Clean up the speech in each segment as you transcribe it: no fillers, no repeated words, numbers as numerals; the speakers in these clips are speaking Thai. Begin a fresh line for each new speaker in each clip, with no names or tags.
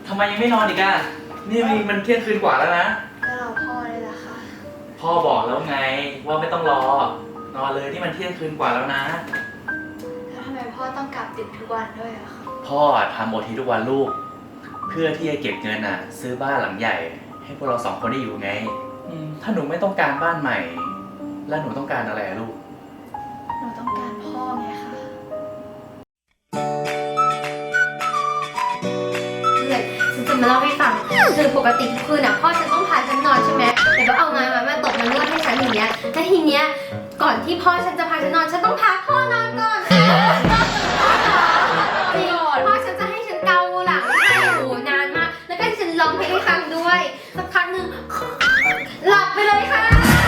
ทำไมยังไม่นอนอีกอ่ะนี่มันเที่ยงคืนกว่าแล้วนะ
ก็รอพ่อเลยล่ะค่ะ
พ่อบอกแล้วไงว่าไม่ต้องรอนอนเลยที่มันเที่ยงคืนกว่าแล้วนะ
แล้วทำไมพ่อต้องกลับดึกทุกวันด้วยอะคะ
พ่อทำโอทีทุกวันลูกเพื่อที่จะเก็บเงินซื้อบ้านหลังใหญ่ให้พวกเราสองคนได้อยู่ไงถ้าหนูไม่ต้องการบ้านใหม่แล้วหนูต้องการอะไรลูก
หนูต้องการพ่อไงคะ
ฉันจะมาเล่าให้ฟังคือปกติทุกคืนพ่อฉันต้องพาฉันนอนใช่ไหมแต่ก็เอางานมาตกมานวดให้ฉันอย่างเงี้ยแต่ทีเนี้ยก่อนที่พ่อฉันจะพาฉันนอนฉันต้องพาพ่อนอนก่อนพ่อฉันจะให้ฉันเกาหลังให้โอ้นานมากแล้วก็ฉันร้องเพลงให้ฟังด้วยสักพักหนึ่งหลับไปเลยค่ะ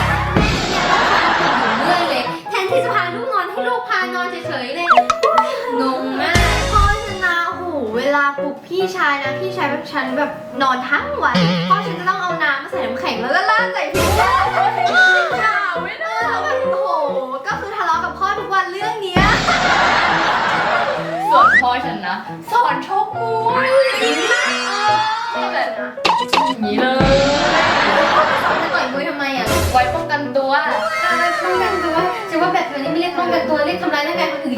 แม่เนี่ยต้องพาตื่นอยู่เรื่อยเลยแทนที่จะพาลูกนอนให้ลูกพานอนเฉยๆเลยงงมาก
พ่อฉันนะโอ้โหเวลาปลุกพี่ชายนะพี่ชายแบบฉันแบบนอนทั้งวันพ่อฉันจะต้องเอาน้ำมาใส่น้ำแข็งแล้วก็ราดใส่พี่ด่าไม่ได้แบบโอ้โหก็คือทะเลาะกับพ่อทุกวันเรื่องเนี้ย
ส่วนพ่อฉันนะสอนชกมวยแบบอย่างนี้เลย
จะต่อยมวยทำไมอ่ะ
ไว้ป้องกันตัว
ป้องกันตัวจะว่าแบบนี้ไม่เรียกป้องกันตัวเรียกทำร้ายร่างกายคนอื่น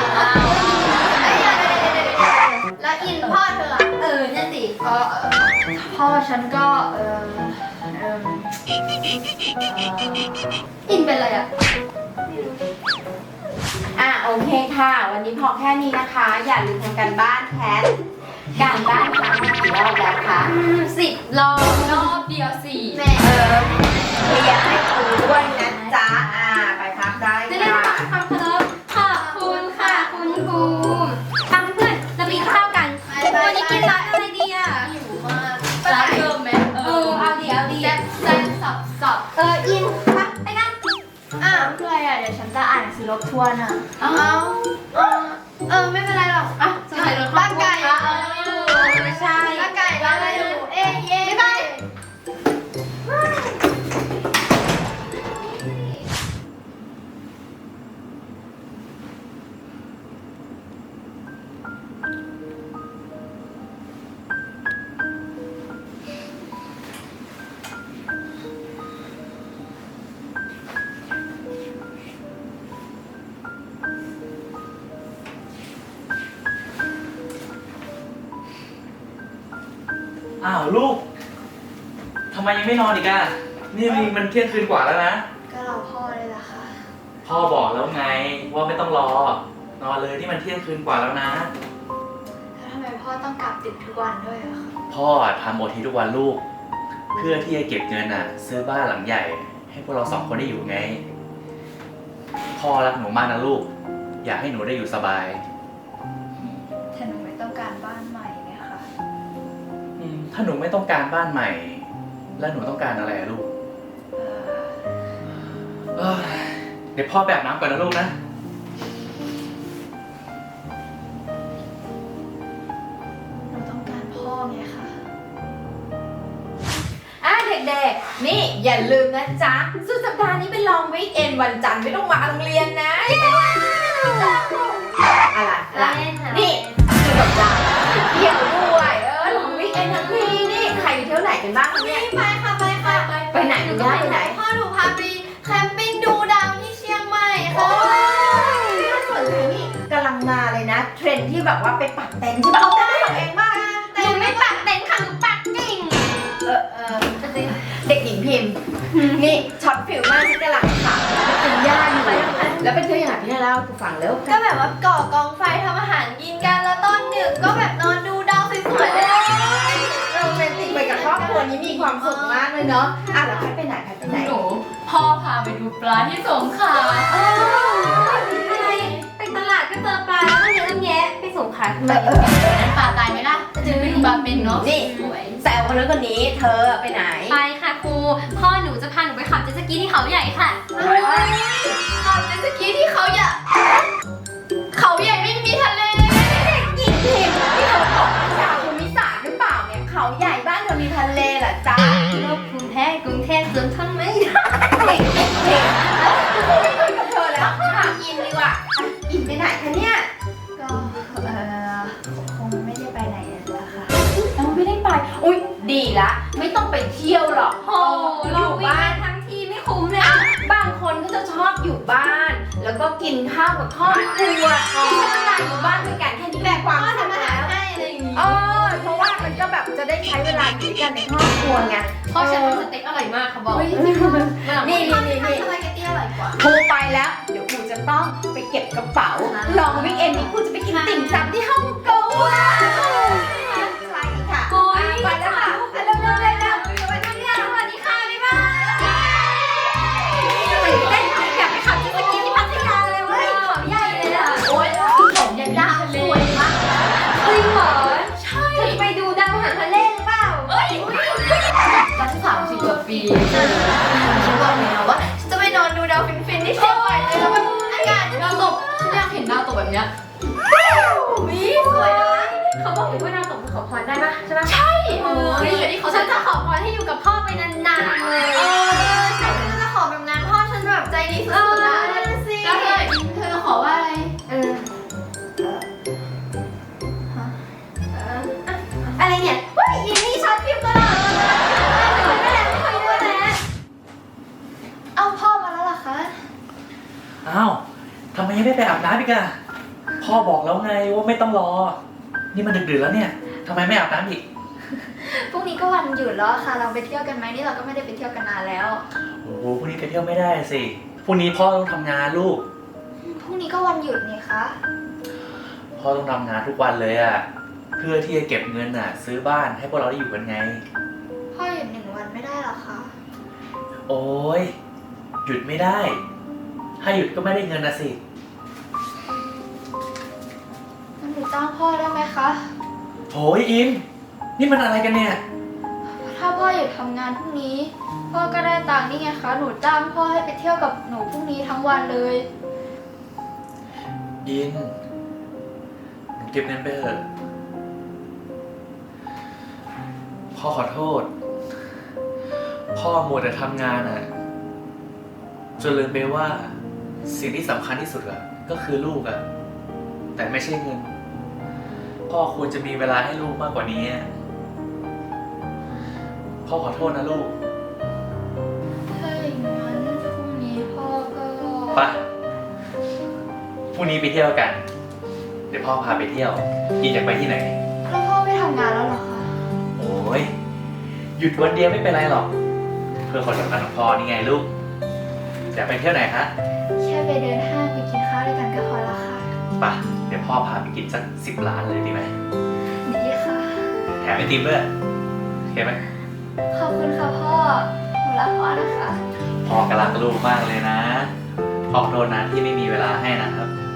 แล้วอินพ่อเธอ
นั่นสิ
พ่อฉันก็
อินเป็นอะไรอ่ะ
โอเคค่ะวันนี้พอแค่นี้นะคะอย่าลืมทำการบ้านแคทการบ้านครั้งกี่รอบแล้วคะ
10 ร
อบเดียว4
แม่
เคลียร์ให้ครูด้วยนะจ๊ะไปพักได้
จะได้รับความเคารพขอบคุณค่ะคุณครูทำเพื่อนเราไปกินข้าวกันวันนี้กินร้านอะไรดีอ่ะ
หิวมาก
ร้านเดิมไหม
เอาดี
แซ่บสับ
อินไปกัน
เพื่ออะไรเดี๋ยวฉันจะอ่านหนังสือรบทวนไม่เป็นไรหรอก
สมัยรถ
ร่างกาย
ไม่ใช่
ร่างกายเราได้ดูเย้ไป
อ้าวลูกทำไมยังไม่นอนอีกอ่ะนี่มันเที่ยงคืนกว่าแล้วนะ
ก็รอพ่อเลยล่ะค่ะ
พ่อบอกแล้วไงว่าไม่ต้องรอนอนเลยที่มันเที่ยงคืนกว่าแล้วนะ
แล้วทำไมพ่อต้องกลับดึกทุกวันด้วยอะคะ
พ่อทำโอทีทุกวันลูกเพื่อที่จะเก็บเงินซื้อบ้านหลังใหญ่ให้พวกเราสองคนได้อยู่ไงพ่อรักหนูมากนะลูกอยากให้หนูได้อยู่สบาย
แต่หนูไม่ต้องการบ้านใหม่ไงคะ
ถ้าหนูไม่ต้องการบ้านใหม่แล้วหนูต้องการอะไรลูกเดี๋ยวพ่อไปอาบน้ำก่อนนะลูกนะ
หนูต้องการพ่อไงคะ
เด็กๆนี่อย่าลืมนะจ๊ะสุดสัปดาห์นี้เป็นลองวีคเอนวันจันทร์ไม่ต้องมาโรงเรียนนะอะไรนี่สุดสัปดาห์เที่ยวด้วยลองวีคเอนทั้งทีนี่ใครไปเที่ยวไหนกันบ้างเนี่ย
ไปค่ะ
ไปไหนหนูจะไปไหน
พ่อหนูพาไปแคมปิ้งดูดาวที่เชียงใหม่ค่ะ
น่าสนใจนี่กำลังมาเลยนะเทรนด์ที่แบบว่าไปปักเต็นท์ใช่ไหมเอาเต็นท์ของเองบ้าง
หนูไม่ปักเต็นท์ค่ะหนูปักกิ่ง
เด็กหญิงพิมพ์นี่ช็อตฟิลมากที่กำลังถามเป็นย่าอยู่แล้วเป็นเที่ยวอย่างไรพี่เล่ากูฟังแล้ว
ก็แบบว่าก่อกองไฟทำอาหารกินกันแล้วตอนดึกก็แบบนอนดูดาวสวยๆเลย
โรแมนติกไปกับครอบครัวนี้มีความสุขมากเลยเนาะแล้วใครไปไหน
หนูพ่อพาไปดูปลาที่สงขลา
ไปตลาดก็เจอปลาแล้วก็เยอะแยะไปสงขลาทำไม
นั้นปลาตายไหมล่ะจะไปดูปลาเป็นเนาะ
นี่แซวคนนั้นคนนี้เธอไปไหน
ไปค่ะครูพ่อหนูจะพาหนูไปขับเจ็ตสกีที่เขาใหญ่ค่ะ
ขับเจ็ตสกีที่เขาใหญ่ไม่มีทะเล
หญิงพิมพ์ที่เขาบอกชาวภูมิศาสตร์หรือเปล่าเนี่ยเขาใหญ่บ้านเธอมีทะเลเหรอจ๊ะ
กรุงเทพสวนทำไม
เด็กไม่คุยกับเธอแล้วถามอินดีกว่าอินไปไหนคะเนี่ย
ก็คงไม่ได้ไปไหนแล้วค่ะ
เอาไปได้อุ๊ยดีละไม่ต้องไปเที่ยวหรอก
โอ้
อยู่บ้าน
ทั้งทีไม่คุ้มเลย
บางคนก็จะชอบอยู่บ้าน แล้วก็กินข้าวกับครอบครัวที่ใช้เวลาอยู่บ้านด้วยกันแค่นี้แหละความ
พ่อ
สุข
ทำอาหา
แล้
ร
ว
ให้อะไรอย่างงี้
เพราะว่ามันก็แบบจะได้ใช้เวลาอยู่ด้วยกันในครอบครัวไง
พ่อฉันทำสเต็กอร่อยมากเขาบอก
นี่
นี่
สปาเกตตี้อร่อยกว่า
ครูไปแล้ว เดี๋ยวครูจะต้องไปเก็บกระเป๋า ลองวิกเอนนี้ครูจะไปกินติ่มซำที่ฮ่องกงใช่ค่ะ
โอ้ย
ไปแล้วค่ะเร็วๆเลยนะไปทำงานสวัสดีค่ะบ๊ายบายตื่นเต้นอยากไปขับเจ็ตสกีที่พัทยาเลยเว้ย
เขาใหญ่เลยอ่ะ
โอ๊ยผมยันดาวสวยมากเฮ้ยหมอใช่ไปดูดาวหางทะเลหรือเปล่าเอ้ย
ตั้ง30 กว่าปี
ฉันบอกเลยนะว่าฉันจะไปนอนดูดาวฟินๆที่เชียงใหม่เลยแล้วแบบอากาศ
ดาวตกฉันอยากเห็นดาวตกแบบเนี้ย
วิสวยนะ
เขาบอกว่าดาวตกขอพรได้ปะใช่ปะ
ใช่
โอ้ยฉันจะขอพรให้อยู่กับพ่อไปนานๆเลย
ใช่ฉันจะขอแบบนั้นพ่อฉันแบบใจดีสุดๆนะสิ
แล้วเธอจะขอว่าอะไร
อะไรเนี่ยเฮ้ยอีนี่ช็อตฟิล์มตลอดเลยคุยด้วยแล้วคุยด้วยแล้ว
เอาพ่อมาแล้วเหรอคะ
อ้าวทำไมยังไม่ไปอาบน้ำอีกอะพ่อบอกแล้วไงว่าไม่ต้องรอ นี่มันดึกๆแล้วเนี่ยทำไมไม่อาบน้ำอีก
พรุ่งนี้ก็วันหยุดแล้วค่ะ เราไปเที่ยวกันไหมนี่เราก็ไม่ได้ไปเที่ยวกันนานแล้ว
โอ้โหพรุ่งนี้ไปเที่ยวไม่ได้สิพรุ่งนี้พ่อต้องทำงานลูก
พรุ่งนี้ก็วันหยุดนี่คะ
พ่อต้องทำงานทุกวันเลยอะเพื่อที่จะเก็บเงินอะซื้อบ้านให้พวกเราได้อยู่กันไง
พ่อหยุด1 วันไม่ได้หรอคะ
โอ้ยหยุดไม่ได้ ถ้าหยุดก็ไม่ได้เงินนะสิ
งั้นหนูจ้างพ่อได้ไหมคะ
โหยอิมนี่มันอะไรกันเนี่ย
ถ้าพ่อหยุดทำงานพรุ่งนี้ พ่อก็ได้ตังค์นี่ไงคะ หนูจ้างพ่อให้ไปเที่ยวกับหนูพรุ่งนี้ทั้งวันเลย
อินหนูเก็บเงินไปเถอะพ่อขอโทษ พ่อมัวแต่ทำงานอะจนลืมไปว่าสิ่งที่สำคัญที่สุดอะก็คือลูกอะแต่ไม่ใช่เงิน พ่อควรจะมีเวลาให้ลูกมากกว่านี้อะพ่อขอโทษนะลูก
ถ้าอย่างนั้นพรุ่งนี้พ่อก็
ไปพรุ่งนี้ไปเที่ยวกัน เดี๋ยวพ่อพาไปเที่ยวอินอยากไปที่ไหน
แล้วพ่อไม่ทำงานแล้วเหรอคะ
โอ้ยหยุดวันเดียวไม่เป็นไรหรอก เพื่อคนสำคัญของพ่อนี่ไงลูกอยากไปเที่ยวไหนคะ
แค่ไปเดินห้างไปกินข้าวด้วยกันก็พอแล้วค่ะ
ไปเดี๋ยวพ่อพาไปกินสัก10 ล้านเลยดีไหม
ดีค่ะ
แถมไอติมด้วยโอเคไหม
ขอบคุณค่ะพ่อ หนูรักพ่อนะคะ
พ่อก็รักลูกมากเลยนะขอโทษนะที่ไม่มีเวลาให้นะครับ